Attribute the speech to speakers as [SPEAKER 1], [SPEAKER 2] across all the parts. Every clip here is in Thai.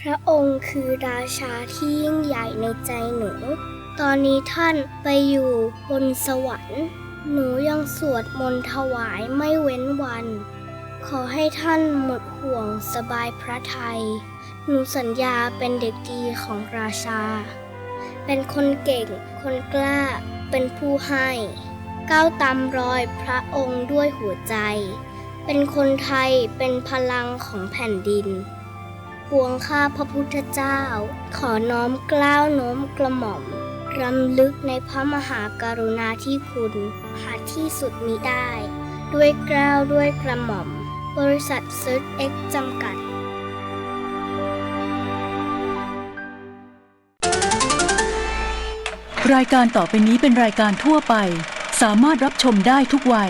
[SPEAKER 1] พระองค์คือราชาที่ยิ่งใหญ่ในใจหนูตอนนี้ท่านไปอยู่บนสวรรค์หนูยังสวดมนต์ถวายไม่เว้นวันขอให้ท่านหมดห่วงสบายพระทัยหนูสัญญาเป็นเด็กดีของราชาเป็นคนเก่งคนกล้าเป็นผู้ให้ก้าวตามรอยพระองค์ด้วยหัวใจเป็นคนไทยเป็นพลังของแผ่นดินปวงข้าพระพุทธเจ้าขอน้อมเกล้าโน้มกระหม่อมรำลึกในพระมหากรุณาธิคุณหาที่สุดมิได้ด้วยเกล้าด้วยกระหม่อมบริษัทเซิร์ชเอ็กซ์จำกัด
[SPEAKER 2] รายการต่อไปนี้เป็นรายการทั่วไปสามารถรับชมได้ทุกวัย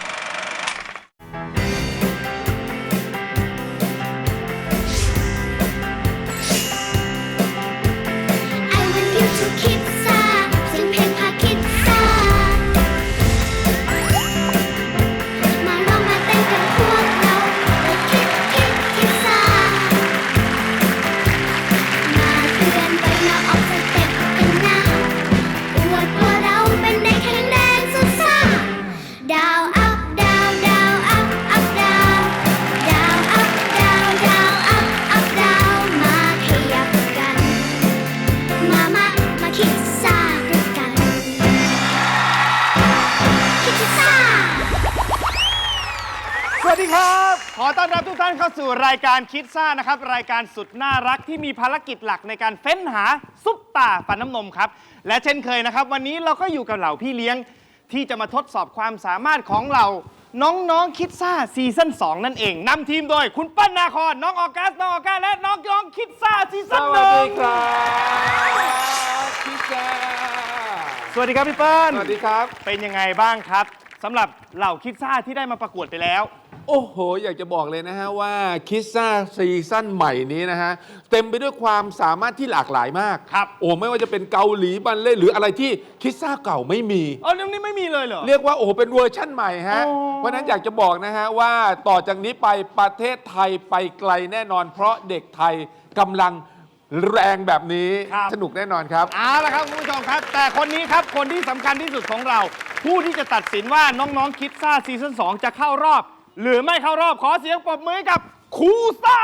[SPEAKER 3] สวัสดีครับขอต้อนรับทุกท่านเข้าสู่รายการคิดซ่านะครับรายการสุดน่ารักที่มีภารกิจหลักในการเฟ้นหาซุปตาฟันน้ำนมครับและเช่นเคยนะครับวันนี้เราก็อยู่กับเหล่าพี่เลี้ยงที่จะมาทดสอบความสามารถของเราน้องๆคิดซ่าซีซั่น2นั่นเองนำทีมโดยคุณปั้นนาคอนน้องออกัสและน้องคิดซ่าซีซั่น1สวัสดีครับคิดซ่าสวัสดีครับพี่เปิ้ลสวัสดีครับเป็นยังไงบ้างครับสำหรับเหล่าคิดซ่าที่ได้มาประกวดไปแล้ว
[SPEAKER 4] โอ้โหอยากจะบอกเลยนะฮะว่าคิดซ่าซีซั่นใหม่นี้นะฮะเต็มไปด้วยความสามารถที่หลากหลายมาก
[SPEAKER 3] ครับ
[SPEAKER 4] โอ้ไม่ว่าจะเป็นเกาหลีบัลเล่ต์หรืออะไรที่คิดซ่าเก่าไม่มี
[SPEAKER 3] นี่ไม่มีเลยเหรอ
[SPEAKER 4] เรียกว่าโอ้เป็นเวอร์ชั่นใหม่ฮะเพราะนั้นอยากจะบอกนะฮะว่าต่อจากนี้ไปประเทศไทยไปไกลแน่นอนเพราะเด็กไทยกำลังแรงแบบนี้สนุกแน่นอนครับ
[SPEAKER 3] เอาละครับคุณผู้ชมครับแต่คนนี้ครับคนที่สำคัญที่สุดของเราผู้ที่จะตัดสินว่าน้องคิดซ่าซีซั่น2จะเข้ารอบหรือไม่เข้ารอบขอเสียงปรบมือกับครูซ่า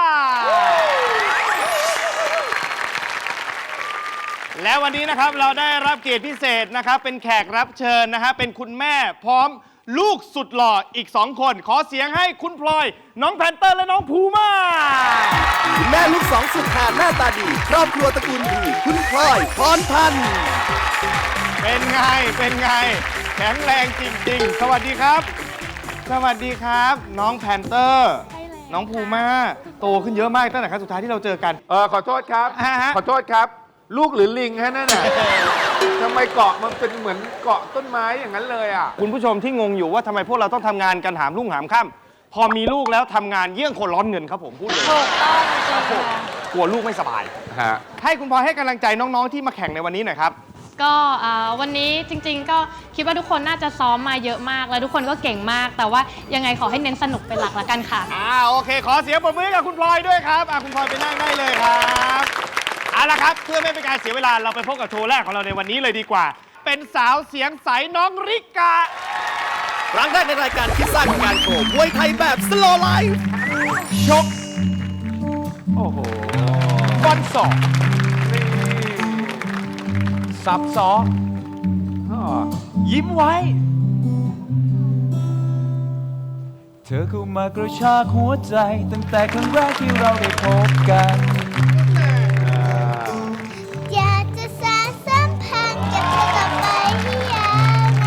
[SPEAKER 3] และวันนี้นะครับเราได้รับเกียรติพิเศษนะครับเป็นแขกรับเชิญนะฮะเป็นคุณแม่พร้อมลูกสุดหล่ออีก2คนขอเสียงให้คุณพลอยน้องแพนเตอร์และน้องภูมา
[SPEAKER 5] แม่ลูกสองสุดหาหน้าตาดีครอบครัวตระกูลดีคุณพลอยพรพันธ์
[SPEAKER 3] เป็นไงแข็งแรงจริงๆสวัสดีครับสวัสดีครับน้องแพนเตอร์น้องภูมาโตขึ้นเยอะมากตั้งแต่ครั้งสุดท้ายที่เราเจอกัน
[SPEAKER 4] ขอโทษครับขอโทษครับลูกหรือลิงฮะนั่นน่ะทำไมเกาะมันเป็นเหมือนเกาะต้นไม้อย่างนั้นเลยอ่ะ
[SPEAKER 3] คุณผู้ชมที่งงอยู่ว่าทำไมพวกเราต้องทำงานกันหามรุ่งหามค่ำพอมีลูกแล้วทำงานเยี่ยงคนร้อนเงินครับผมพูดเลย
[SPEAKER 6] ถูกต้อง
[SPEAKER 3] กลัวลูกไม่สบายให้คุณพลอยให้กำลังใจน้องๆที่มาแข่งในวันนี้หน่อยครับ
[SPEAKER 6] ก็วันนี้จริงๆก็คิดว่าทุกคนน่าจะซ้อมมาเยอะมากแล้วทุกคนก็เก่งมากแต่ว่ายังไงขอให้เน้นสนุกเป็นหลักละกันค่ะ
[SPEAKER 3] โอเคขอเสียงปรบมือกับคุณพลอยด้วยครับคุณพลอยไปนั่งได้เลยครับเอาละครับเพื่อไม่เป็นการเสียเวลาเราไปพบกับโชว์แรกของเราในวันนี้เลยดีกว่าเป็นสาวเสียงใสน้องริกา
[SPEAKER 5] ครั้งแรกในรายการคิดซ่ากับการโชว์มวยไทยแบบสโลว์ไลฟ์
[SPEAKER 3] ชกโอ้โหฟันศอกสับศอกยิ้มไว้
[SPEAKER 7] เธอเข้ามากระชากหัวใจตั้งแต่ครั้งแรกที่เราได้พบกัน
[SPEAKER 1] อยากจะสานสัมพันธ์กับเธอกลับไปให้ยาวน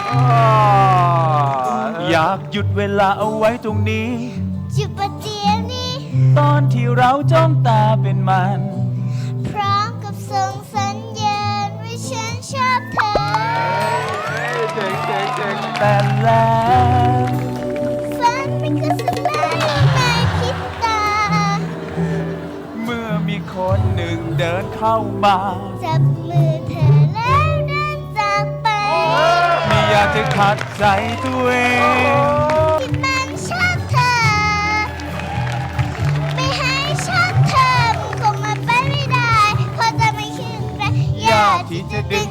[SPEAKER 7] านอยากหยุดเวลาเอาไว้ตรงนี้
[SPEAKER 1] หยุดประเดี๋ยวนี้
[SPEAKER 7] ตอนที่เราจ้องตาเป็นมัน
[SPEAKER 1] พร้อมกับส่งสัญญาณว่าฉันชอบเธอ
[SPEAKER 7] เจ๋งแต่แล้ว
[SPEAKER 1] ฝันมันก็สลายในพริบตา
[SPEAKER 7] เมื่อมีคนหนึ่งเดินเข้ามา
[SPEAKER 1] จับมือเธอแล้วเดินจากไป
[SPEAKER 7] ไม่อยากจะขัดใจตัวเอง
[SPEAKER 1] ที่มันชอบเธอไม่ให้ชอบเธอมันค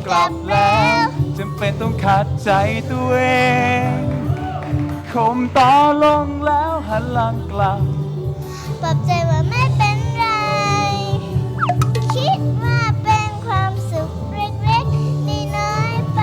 [SPEAKER 7] กลับแล้วจำเป็นต้องขัดใจตัวเองข่มต่อลงแล้วหันหลังกลับ
[SPEAKER 1] ปลอบใจว่าไม่เป็นไร คิดว่าเป็นความสุขเล็กๆน้อยๆไป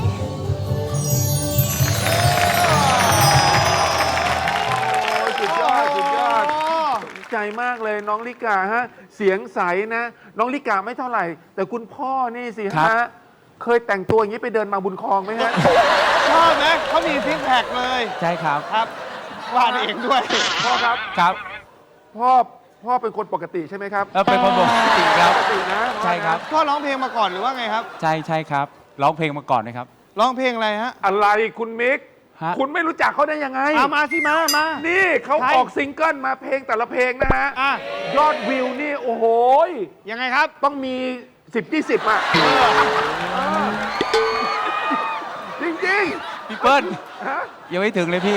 [SPEAKER 4] สุดยอดสุดยอดสนใจมากเลยน้องลิกาฮะเสียงใสนะ น้องลิกาไม่เท่าไหร่ แต่คุณพ่อนี่สิ
[SPEAKER 7] ครั
[SPEAKER 4] ฮะ
[SPEAKER 7] บ
[SPEAKER 4] เคยแต่งตัวอย่างนี้ไปเดินมาบุญคลองไหมฮะ
[SPEAKER 3] ชอบนะเขามีซิกแพคเลย
[SPEAKER 7] ใช่ครับ
[SPEAKER 3] ครับวาดเองด้วย
[SPEAKER 4] พ่อครับ
[SPEAKER 7] ครับ
[SPEAKER 4] พ่อเป็นคนปกติใช่ไหมครับ
[SPEAKER 7] เป็นคนปกติครับ
[SPEAKER 4] ปกตินะพ่อนะ
[SPEAKER 7] ใช่ครับ
[SPEAKER 3] พ่อร้องเพลงมาก่อนหรือว่าไงครับ
[SPEAKER 7] ใช่ครับร้องเพลงมาก่อนนะครับ
[SPEAKER 3] ร้องเพลงอะไรฮะ
[SPEAKER 4] อะไรคุณมิก
[SPEAKER 7] ฮะ
[SPEAKER 4] คุณไม่รู้จักเขาได้ยังไง
[SPEAKER 3] เอามาสิมามา
[SPEAKER 4] นี่เขา
[SPEAKER 3] ใคร
[SPEAKER 4] ออกซิงเกิลมาเพลงแต่ละเพลงนะฮะ
[SPEAKER 3] อ่ะ
[SPEAKER 4] ยอดวิวนี่โอ้โห
[SPEAKER 3] ยังไงครับ
[SPEAKER 4] ต้องมี 10-20 อ่ะจริง
[SPEAKER 7] พี่เปิ้ล
[SPEAKER 4] ๆฮะ
[SPEAKER 7] ยังไม่ถึงเลยพี่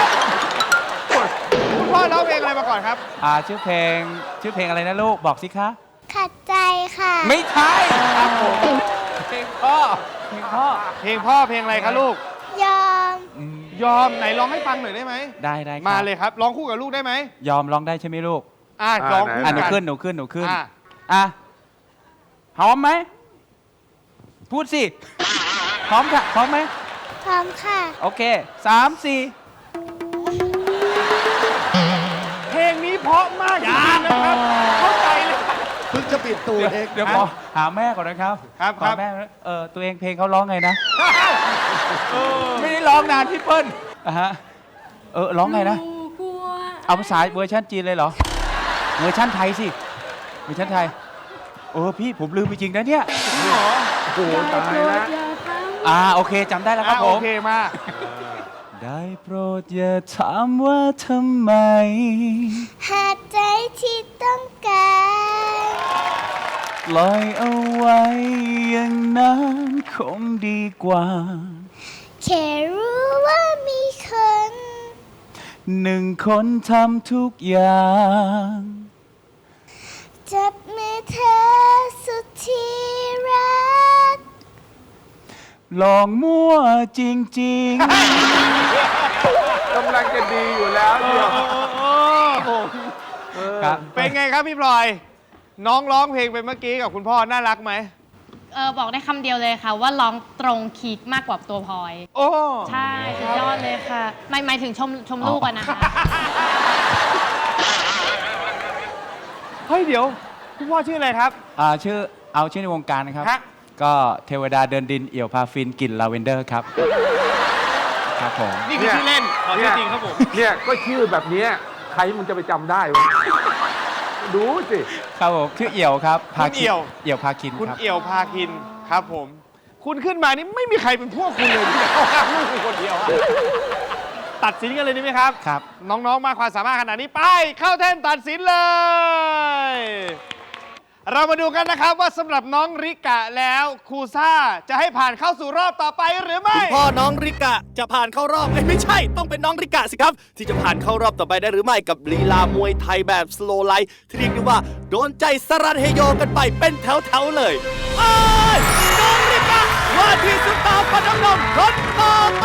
[SPEAKER 3] คุณพ่อร้องเพลงอะไรมาก่อนครับ
[SPEAKER 7] ชื่อเพลงอะไรนะลูกบอกสิคะ
[SPEAKER 1] ขัดใจค่ะ
[SPEAKER 7] ไม่ใช่ครับผมเพลงพ่อ
[SPEAKER 3] เพลงพ่อเพลงอะไรคะลูก
[SPEAKER 1] ยอม
[SPEAKER 3] ยอมไหนร้องให้ฟังหน่อยได้ไหม
[SPEAKER 7] ได้ครับ
[SPEAKER 3] มาเลยครับร้องคู่กับลูกได้ไหม
[SPEAKER 7] ยอมร้องได้ใช่ไหมลูก
[SPEAKER 3] ร้องคู่
[SPEAKER 7] หนู
[SPEAKER 3] กั
[SPEAKER 7] ขึ้น
[SPEAKER 3] อ่ะ
[SPEAKER 7] หอมไหมพูดสิพร้อมค่ะพร้อมไหม
[SPEAKER 1] พร้อมค่ะ
[SPEAKER 7] โอเค3-4
[SPEAKER 3] เพลงนี้เพราะมากจริงๆนะครับ เข้าใจเลย
[SPEAKER 5] เพิ่งจะปิดตัวเอง
[SPEAKER 7] เดี๋ยวขอหาแม่ก่อนนะครับ
[SPEAKER 3] ครับ
[SPEAKER 7] ขอแม่ตัวเองเพลงเขาร้องไงนะไม่ได้ร้องนานพี่เปิ้ลฮะร้องไงนะเอาภาษาเวอร์ชันจีนเลยเหรอเวอร์ชันไทยสิเวอร์ชันไทยพี่ผมลืมไปจริงนะเนี่ย
[SPEAKER 4] โอ้โหตายแล้ว
[SPEAKER 7] โอเคจำได้แล้วครับผ
[SPEAKER 3] โอ
[SPEAKER 7] ม
[SPEAKER 3] เคมาก
[SPEAKER 7] ได้โปรดอย่าถามว่าทำไม
[SPEAKER 1] หากใจที่ต้องการ
[SPEAKER 7] ปล่อยเอาไว้อย่างนั้นคงดีกว่า
[SPEAKER 1] แค่รู้ว่ามีคน
[SPEAKER 7] หนึ่งคนทำทุกอย่าง
[SPEAKER 1] จับมือเธอสุดที่รัก
[SPEAKER 7] ลองมั่วจริง
[SPEAKER 4] กำลังจะดีอยู่แล้วเดี๋ยว
[SPEAKER 7] ๆ ครับ
[SPEAKER 3] เป็นไงครับพี่พลอย น้องร้องเพลงไปเมื่อกี้กับคุณพ่อน่ารักไหม
[SPEAKER 6] บอกได้คำเดียวเลยค่ะ ว่าร้องตรงคีย์มากกว่าตัวพลอย
[SPEAKER 3] โอ้
[SPEAKER 6] ใช่สุดยอดเลยค่ะหมายถึงชมลูกอะนะคะ
[SPEAKER 3] เฮ้ยเดี๋ยวคุณพ่อชื่ออะไรครับ
[SPEAKER 7] ชื่อในวงการนะครับ
[SPEAKER 3] ฮะ
[SPEAKER 7] ก็เทวดาเดินดินเอี่ยวพาฟินกลิ่นลาเวนเดอร์ครับ ครับผม
[SPEAKER 3] นี่คือชื่อเล่นขอชื่อจริงครับผม
[SPEAKER 4] เนี่ยก็ชื่อแบบเนี้ยใครมันจะไปจำได้วะดูสิ
[SPEAKER 7] ครับผมชื่อเอี่ยวครับ
[SPEAKER 3] คุณเอี่ยว
[SPEAKER 7] เอี่ยวพาคิน
[SPEAKER 3] คุณ
[SPEAKER 7] ครับ
[SPEAKER 3] เอี่ยวพาคินครับผม คุณขึ้นมานี่ไม่มีใครเป็นพวกคุณเลยที่จะเข้าข้างลูกคุณคนเดียวอะตัดสินกันเลยดีไหมครับ
[SPEAKER 7] ครับ
[SPEAKER 3] น้องๆ มาความสามารถขนาดนี้ไปเข้าแท่นตัดสินเลย เรามาดูกันนะครับว่าสำหรับน้องริกะแล้วครูซ่าจะให้ผ่านเข้าสู่รอบต่อไปหรือไม่
[SPEAKER 5] พ่อน้องริกะจะผ่านเข้ารอบไม่ใช่ ต้องเป็นน้องริกะสิครับ ที่จะผ่านเข้ารอบต่อไปได้หรือไม่กับลีลามวยไทยแบบสโลไลท์ที่เรียกได้ว่าโดนใจสรันเฮโยกันไปเป็นแถวๆเลยไอ้ยน้องริกะว่าที่ซุปตาร์ฟันน้ำนมคนต่อไป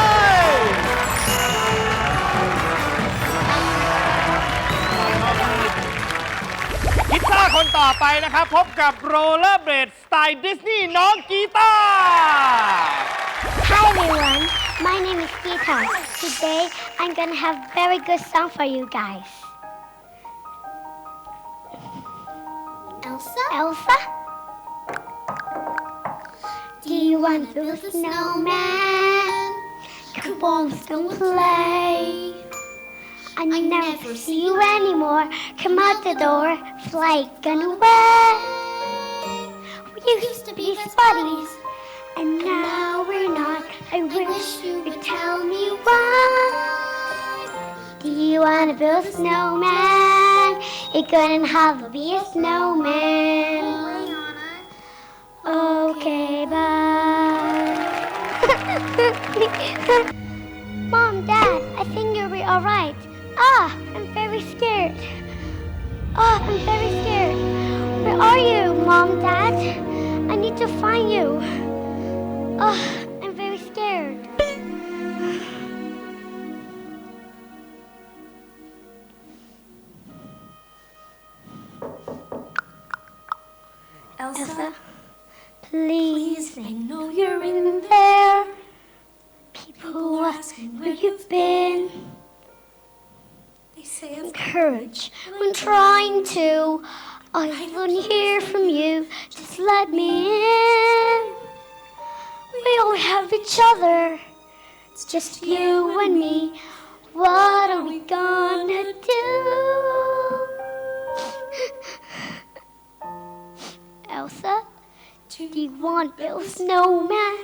[SPEAKER 3] กีตาร์คนต่อไปนะครับ พบกับโรลเลอร์เบลดสไตล์ดิสนีย์น้องกีตาร์
[SPEAKER 1] Hi everyone, my name is Gita. Today I'm gonna have very good song for you guys. Elsa? Do you want to build a snowman? Come on, don't play. I never see you anymore. Come out the door, flight gone away. We used to be best buddies, and now we're not. I wish you could tell me why. Do you wanna build a snowman? It couldn't have to be a snowman. Okay, bye. Mom, Dad, I think you'll be alright. I'm very scared. I'm very scared. Where are you, Mom, Dad? I need to find you. Oh, I'm very scared. Elsa, please, I know you're in there. People ask where you've been. They say encourage when trying to. I want to hear from you. Just let me in. We all have each other. It's just you and me. What are we gonna do? Elsa, do you want Bill Snowman?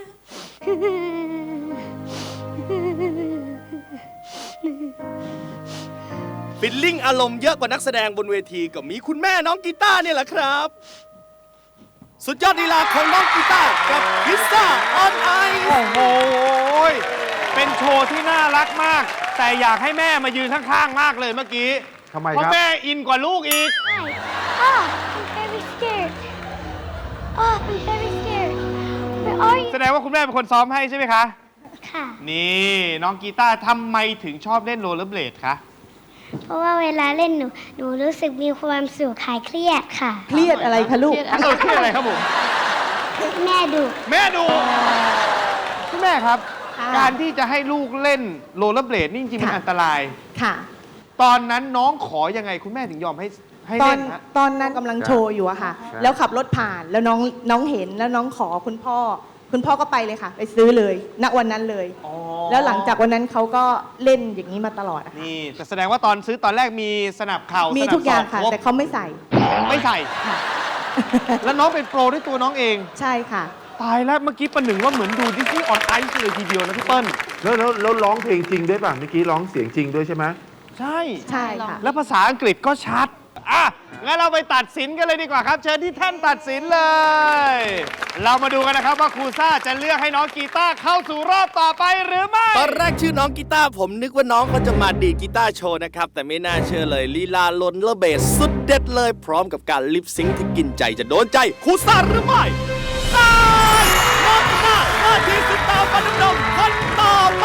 [SPEAKER 5] ฟิลลิ่งอารมณ์เยอะกว่านักแสดงบนเวทีก็มีคุณแม่น้องกีตาร์เนี่ยแหละครับ สุดยอดลีลาของน้องกีตาร์กับพิซซ่าออนไอซ์
[SPEAKER 3] โอ้โห เป็นโชว์ที่น่ารักมาก แต่อยากให้แม่มายืนข้างๆ มากเลยเมื่อกี้
[SPEAKER 4] ทำไม
[SPEAKER 3] เพราะ
[SPEAKER 4] ครับ
[SPEAKER 3] แม่อินกว่าลูกอีก
[SPEAKER 1] Hi. Oh, I'm very scared. Oh, I'm very scared. Where are you?
[SPEAKER 3] แสดงว่าคุณแม่เป็นคนซ้อมให้ใช่ไหมคะ
[SPEAKER 1] ค่ะ
[SPEAKER 3] นี่น้องกีตาร์ทำไมถึงชอบเล่นโรลเลอร์เบลดคะ
[SPEAKER 1] เพราะว่าเวลาเล่นหนูรู้สึกมีความสุขคลายเครียดค่ะ
[SPEAKER 8] เครียดอะไรคะลูก
[SPEAKER 3] เครียดอะไรครับผม
[SPEAKER 1] แม่ดุ
[SPEAKER 3] แม่ดูคุณแม่ครับ การที่จะให้ลูกเล่นโรลเลอร์เบลดนี่จริงๆมัน
[SPEAKER 8] ค่ะ
[SPEAKER 3] อันตราย
[SPEAKER 8] ค่ะ
[SPEAKER 3] ตอนนั้นน้องขอยังไงคุณแม่ถึงยอมให้
[SPEAKER 8] ตอ
[SPEAKER 3] เล่
[SPEAKER 8] น
[SPEAKER 3] นฮะ
[SPEAKER 8] ตอนนั้นกำลังโชว์อยู่อะค่ะ
[SPEAKER 4] ครับ
[SPEAKER 8] แล้วขับรถผ่านแล้วน้องเห็นแล้วน้องขอคุณพ่อก็ไปเลยค่ะ ไปซื้อเลย ณ วันนั้นเลย
[SPEAKER 3] อ๋อ
[SPEAKER 8] แล้วหลังจากวันนั้นเขาก็เล่นอย่างนี้มาตลอดอะค่ะ
[SPEAKER 3] นี่แต่แสดงว่าตอนซื้อตอนแรกมีสนับเข่า
[SPEAKER 8] มี
[SPEAKER 3] มี
[SPEAKER 8] ทุกอย่างค่ะ แต่เขาไม่ใส่
[SPEAKER 3] ไม่ใส่
[SPEAKER 8] ค่ะ
[SPEAKER 3] แล้วน้องเป็นโปรด้วยตัวน้องเอง
[SPEAKER 8] ใช่ค่ะ
[SPEAKER 3] ตายแล้วเมื่อกี้ประหนึ่งว่าเหมือนดูดิสนีย์ออนไอซ์เลยทีเดียวนะพี่เปิ้ล
[SPEAKER 4] แล้วร้องเพลงจริงด้วยป่ะเมื่อกี้ร้องเสียงจริงด้วยใช่ไหม
[SPEAKER 3] ใช่
[SPEAKER 8] ใช่ค่ะ
[SPEAKER 3] แล้วภาษาอังกฤษก็ชัด อ่ะ งั้นเราไปตัดสินกันเลยดีกว่าครับ เชิญที่แท่นตัดสินเลย เรามาดูกันนะครับว่าครูซ่าจะเลือกให้น้องกีตาร์เข้าสู่รอบต่อไปหรือไม่
[SPEAKER 5] ตอนแรกชื่อน้องกีตาร์ผมนึกว่าน้องเขาจะมาดีดกีตาร์โชว์นะครับ แต่ไม่น่าเชื่อเลยลีลาลนเลอร์เบสสุดเด็ดเลย พร้อมกับการลิปซิงค์ที่กินใจจะโดนใจครูซ่าหรือไม่ตายน้องกีตาร์หน้าที่สุดตาฟันน้ำนมคนต่อไป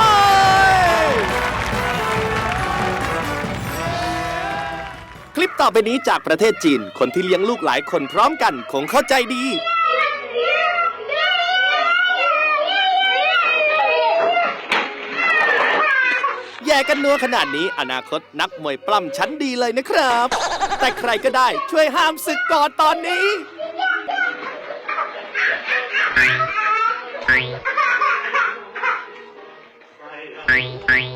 [SPEAKER 5] คลิปต่อไปนี้จากประเทศจีน คนที่เลี้ยงลูกหลายคนพร้อมกันคงเข้าใจดี แย่กันนัวขนาดนี้อนาคตนักมวยปล้ำชั้นดีเลยนะครับ แต่ใครก็ได้ช่วยห้ามศึกก่อนตอนนี้
[SPEAKER 1] Bye.